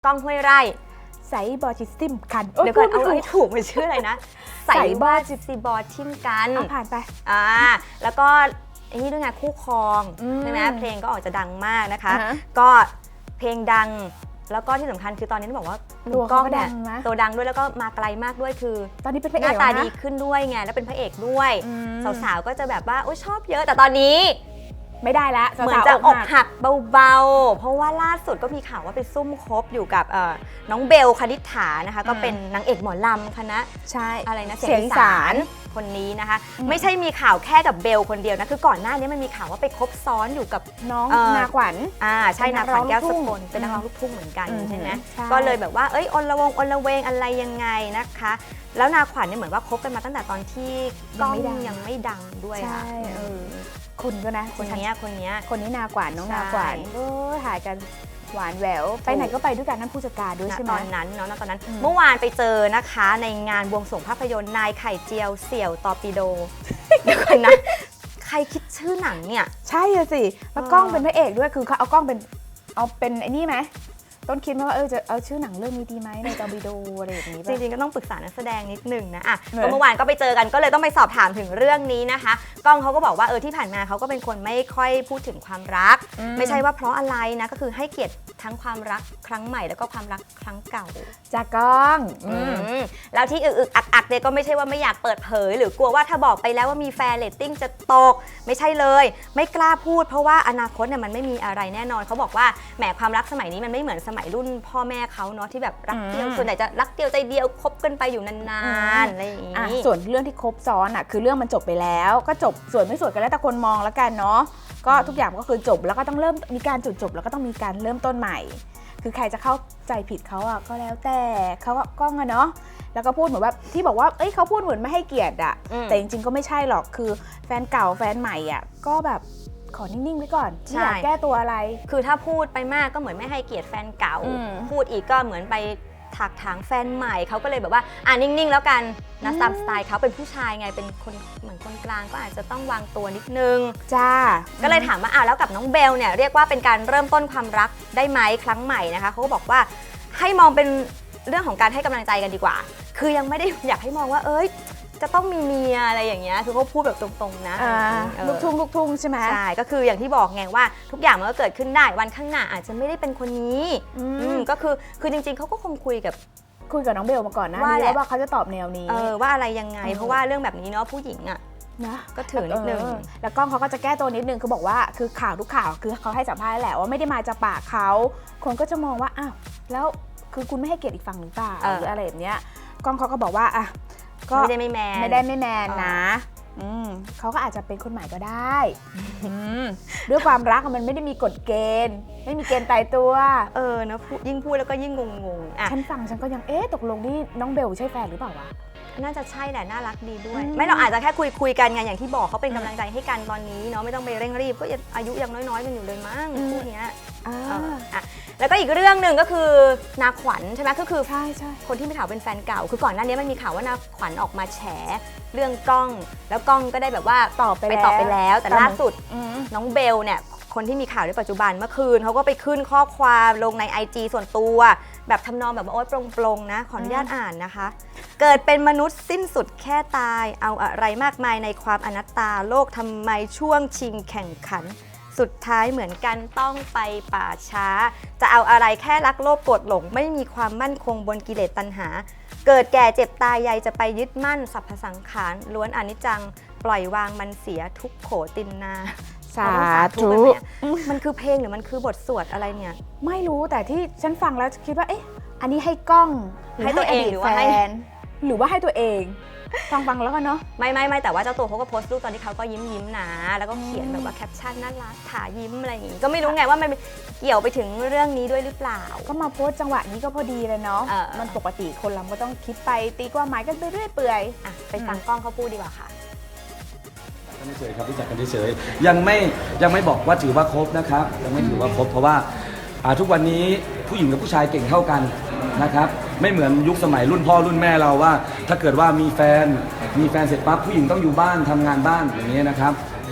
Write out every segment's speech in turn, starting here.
ก้องห้วยไร่ใส่บอจิสติมกันเดี๋ยวก่อนเอาให้ถูกมันชื่ออะไรนะใส่บอจิซีบอทิมกันผ่านไปแล้วก็ไอ้นี่ด้วยไงคู่ครองใช่ไหมเพลงก็ออกจะดังมากนะคะก็เพลงดังแล้วก็ที่สำคัญคือตอนนี้ต้องบอกว่าตัวก้องเนี่ยตัวดังด้วยแล้วก็มาไกลมากด้วยคือตอนนี้เป็นพระเอกหน้าตาดีขึ้นด้วยไงแล้วเป็นพระเอกด้วยสาวๆก็จะแบบว่าชอบเยอะแต่ตอนนี้ไม่ได้ละเหมือนจะอกหักเบาๆเพราะว่าล่าสุดก็มีข่าวว่าไปซุ่มคบอยู่กับน้องเบลคณิษฐานะคะก็เป็นนางเอกหมอลำคณะใช่อะไรนะเสียงอีสานคนนี้นะคะไม่ใช่มีข่าวแค่กับเบลคนเดียวนะคือก่อนหน้านี้มันมีข่าวว่าไปคบซ้อนอยู่กับน้องนาขวัญใช่นาขวัญแก้วสกลเป็นนักร้องลูกทุ่งเหมือนกันใช่ไหมก็เลยแบบว่าอนละวงอนละเวงอะไรยังไงนะคะแล้วนาขวัญเนี่ยเหมือนว่าคบกันมาตั้งแต่ตอนที่ก้องยังไม่ดังด้วยค่ะคุณก็นะคนนี้นาขวัญน้องนาขวัญถ่ายกันหวานแหววไปไหนก็ไปด้วยกันนั่นผู้จัดการด้วยใช่ไหมตอนนั้นเมื่อวานไปเจอนะคะในงานบวงสรวงภาพยนตร์นายไข่เจียวเสี่ยวตอปิโดเดี๋ยวก่อนนะใครคิดชื่อหนังเนี่ยใช่สิแล้วกล้องเป็นพระเอกด้วยคือเขาเอากล้องเป็นไอ้นี่ไหมต้นคิดว่าจะเอาชื่อหนังเรื่องนี้ดีไหมในตอร์ปิโดอะไรอย่างนี้จริงๆก็ต้องปรึกษานักแสดงนิดนึงนะก็เมื่อวานก็ไปเจอกันก็เลยต้องไปสอบถามถึงเรื่องนี้นะคะก้องเขาก็บอกว่าที่ผ่านมาเขาก็เป็นคนไม่ค่อยพูดถึงความรักไม่ใช่ว่าเพราะอะไรนะก็คือให้เกียรติทั้งความรักครั้งใหม่แล้วก็ความรักครั้งเก่าจากก้องแล้วที่อึกอักเนี่ยก็ไม่ใช่ว่าไม่อยากเปิดเผยหรือกลัวว่าถ้าบอกไปแล้วว่ามีแฟนเรตติ้งจะตกไม่ใช่เลยไม่กล้าพูดเพราะว่าอนาคตเนี่ยมันไม่มีอะไรแน่นอนเขาบอกว่าแหมความรักสมัยนี้มันไม่เหมือนสมัยรุ่นพ่อแม่เขาเนาะที่แบบรักเดียวส่วนใหญ่จะรักเดียวใจเดียวคบกันไปอยู่นานๆอะไรอย่างนี้ส่วนเรื่องที่คบซ้อนคือเรื่องมันจบไปแล้วก็จบส่วนไม่ส่วนกันแล้วแต่คนมองแล้วกันเนาะก็ทุกอย่างก็คือจบแล้วก็ต้องเริ่มมีการจุดจบแล้วก็ต้องมีการเริ่มต้นใหม่คือใครจะเข้าใจผิดเขาก็แล้วแต่เขาก็ก้องเนาะแล้วก็พูดเหมือนว่าที่บอกว่าเขาพูดเหมือนไม่ให้เกียรติแต่จริงๆก็ไม่ใช่หรอกคือแฟนเก่าแฟนใหม่ก็แบบขอนิ่งๆไว้ก่อนไม่อยากแก้ตัวอะไรคือถ้าพูดไปมากก็เหมือนไม่ให้เกียรติแฟนเก่าพูดอีกก็เหมือนไปถักถางแฟนใหม่เขาก็เลยแบบว่านิ่งๆแล้วกันนะตามสไตล์เขาเป็นผู้ชายไงเป็นคนเหมือนคนกลางก็อาจจะต้องวางตัวนิดนึงจ้าก็เลยถามว่าแล้วกับน้องเบลเนี่ยเรียกว่าเป็นการเริ่มต้นความรักได้ไหมครั้งใหม่นะคะเขาก็บอกว่าให้มองเป็นเรื่องของการให้กำลังใจกันดีกว่าคือยังไม่ได้อยากให้มองว่าจะต้องมีเมียอะไรอย่างเงี้ยคือเขาพูดแบบตรงๆนะลูกทุ่งใช่ไหมใช่ก็คืออย่างที่บอกไงว่าทุกอย่างมันก็เกิดขึ้นได้วันข้างหน้าอาจจะไม่ได้เป็นคนนี้ก็คือจริงๆเขาก็คงคุยกับน้องเบลมาก่อนนะว่าเขาจะตอบแนวนี้ว่าอะไรยังไงเพราะว่าเรื่องแบบนี้เนาะผู้หญิงนะก็ถือนิดนึงแล้วก้องเขาก็จะแก้ตัวนิดนึงคือบอกว่าคือข่าวทุกข่าวคือเขาให้สัมภาษณ์แหละว่าไม่ได้มาจากปากเขาคนก็จะมองว่าแล้วคือคุณไม่ให้เกียรติอีกฝั่งหรือเปล่าหรืออะไรแบบเนี้ยก้องเขาก็บอกว่าก็ไม่ได้ไม่แมนนะเขาก็อาจจะเป็นคนใหม่ก็ได้ด้วยความรักมันไม่ได้มีกฎเกณฑ์ไม่มีเกณฑ์ตายตัวนะยิ่งพูดแล้วก็ยิ่งงงฉันฟังฉันก็ยังตกลงนี่น้องเบลใช่แฟนหรือเปล่าวะน่าจะใช่แหละน่ารักดีด้วยไม่เราอาจจะแค่คุยกันไงอย่างที่บอกเขาเป็นกำลังใจให้กันตอนนี้เนาะไม่ต้องไปเร่งรีบก็อายุยังน้อยๆกันอยู่เลยมั้งคู่นี้แล้วก็อีกเรื่องหนึ่งก็คือนาขวัญใช่ไหมก็คือใช่คนที่มีข่าวเป็นแฟนเก่าคือก่อนหน้านี้มันมีข่าวว่านาขวัญออกมาแฉเรื่องกล้องแล้วกล้องก็ได้แบบว่าตอบไปแล้วแต่ล่าสุดน้องเบลเนี่ยคนที่มีข่าวในปัจจุบันเมื่อคืนเขาก็ไปขึ้นข้อความลงใน IG ส่วนตัวแบบทำนองแบบว่าโปร่งๆนะขออนุญาตอ่านนะคะเกิดเป็นมนุษย์สิ้นสุดแค่ตายเอาอะไรมากมายในความอนัตตาโลกทำไมช่วงชิงแข่งขันสุดท้ายเหมือนกันต้องไปป่าช้าจะเอาอะไรแค่รักโลภโกรธหลงไม่มีความมั่นคงบนกิเลสตัณหาเกิดแก่เจ็บตายใยจะไปยึดมั่นสรรพสังขารล้วนอนิจจังปล่อยวางมันเสียทุกโขตินนาสาธุมันคือเพลงหรือมันคือบทสวดอะไรเนี่ยไม่รู้แต่ที่ฉันฟังแล้วคิดว่าอันนี้ให้กล้องให้ตัวเองหรือว่าให้ตัวเองฟังแล้วกันเนาะไม่แต่ว่าเจ้าตัวเขาก็โพสต์รูปตอนที่เขาก็ยิ้มนะแล้วก็เขียนแบบว่าแคปชั่นน่ารักถายิ้มอะไรอย่างงี้ก็ไม่รู้ไงว่ามันเกี่ยวไปถึงเรื่องนี้ด้วยหรือเปล่าก็มาโพสต์จังหวะนี้ก็พอดีเลยเนาะมันปกติคนเราก็ต้องคิดไปตีความหมายกันไปเรื่อยเปื่อยไปฟังกล้องเขาพูดดีกว่าค่ะเฉยครับรู้จักกันเฉยยังไม่บอกว่าถือว่าครบนะครับยังไม่ถือว่าครบเพราะว่าทุกวันนี้ผู้หญิงกับผู้ชายเก่งเท่ากันนะครับไม่เหมือนยุคสมัยรุ่นพ่อรุ่นแม่เราว่าถ้าเกิดว่ามีแฟนเสร็จปั๊บผู้หญิงต้องอยู่บ้านทำงานบ้านอย่างนี้นะครับ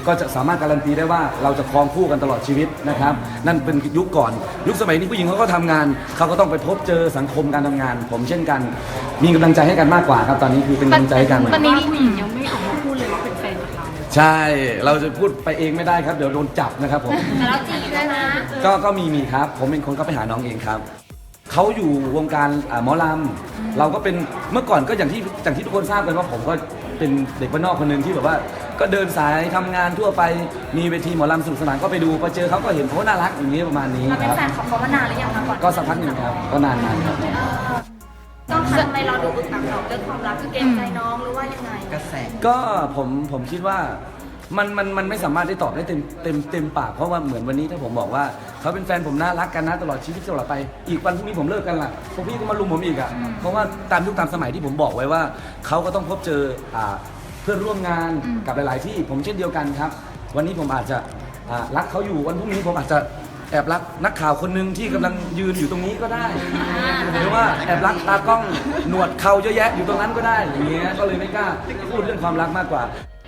ก็จะสามารถการันตีได้ว่าเราจะครองคู่กันตลอดชีวิตนะครับนั่นเป็นยุคก่อนยุคสมัยนี้ผู้หญิงเขาก็ทำงานเขาก็ต้องไปพบเจอสังคมการทำงาน ผมเช่นกันมีกำลังใจให้กันมากกว่าครับตอนนี้คือเป็นกำลังใจให้กันตอนนี้ผู้หญิงยังไม่ออกมาพูดเลยว่าเป็นแฟนกับเราใช่เราจะพูดไปเองไม่ได้ครับเดี๋ยวโดนจับนะครับผมแต่เราจีบได้นะก็มีครับผมเป็นคนก็ไปหาน้องเองครับเขาอยู่วงการหมอลำเราก็เป็นเมื่อก่อนก็อย่างที่ทุกคนทราบกันว่าผมก็เป็นเด็กบ้านนอกคนหนึ่งที่แบบว่าก็เดินสายทำงานทั่วไปมีเวทีหมอลำสนุกสนานก็ไปดูพอเจอเขาก็เห็นเขาน่ารักอย่างนี้ประมาณนี้เราคเป็นรับแฟนของเขามานานหรือยังคะก่อนก็สักพักหนึ่งครับก็นานครับต้องทำไมเราดูอึกอักหรอกเรื่องความรักคือเกรงใจน้องหรือว่ายังไงกระแสก็ผมคิดว่ามันไม่สามารถได้ตอบได้เต็มปากเพราะว่าเหมือนวันนี้ถ้าผมบอกว่าเขาเป็นแฟนผมน่ารักกันนะตลอดชีวิตตลอดไปอีกวันพรุ่งนี้ผมเลิกกันล่ะพวกพี่ก็มาลุมผมอีกอ่ะเพราะว่าตามยุคตามสมัยที่ผมบอกไว้ว่าเขาก็ต้องพบเจอเพื่อนร่วมงานกับหลาย ๆ ที่ผมเช่นเดียวกันครับวันนี้ผมอาจจะรักเขาอยู่วันพรุ่งนี้ผมอาจจะแอบรักนักข่าวคนหนึ่งที่กำลังยืนอยู่ตรงนี้ก็ได้หรือว่าแอบรักตากล้องหนวดเขาเยอะแยะอยู่ตรงนั้นก็ได้อย่างเงี้ยก็เลยไม่กล้าพูดเรื่องความรักมากกว่า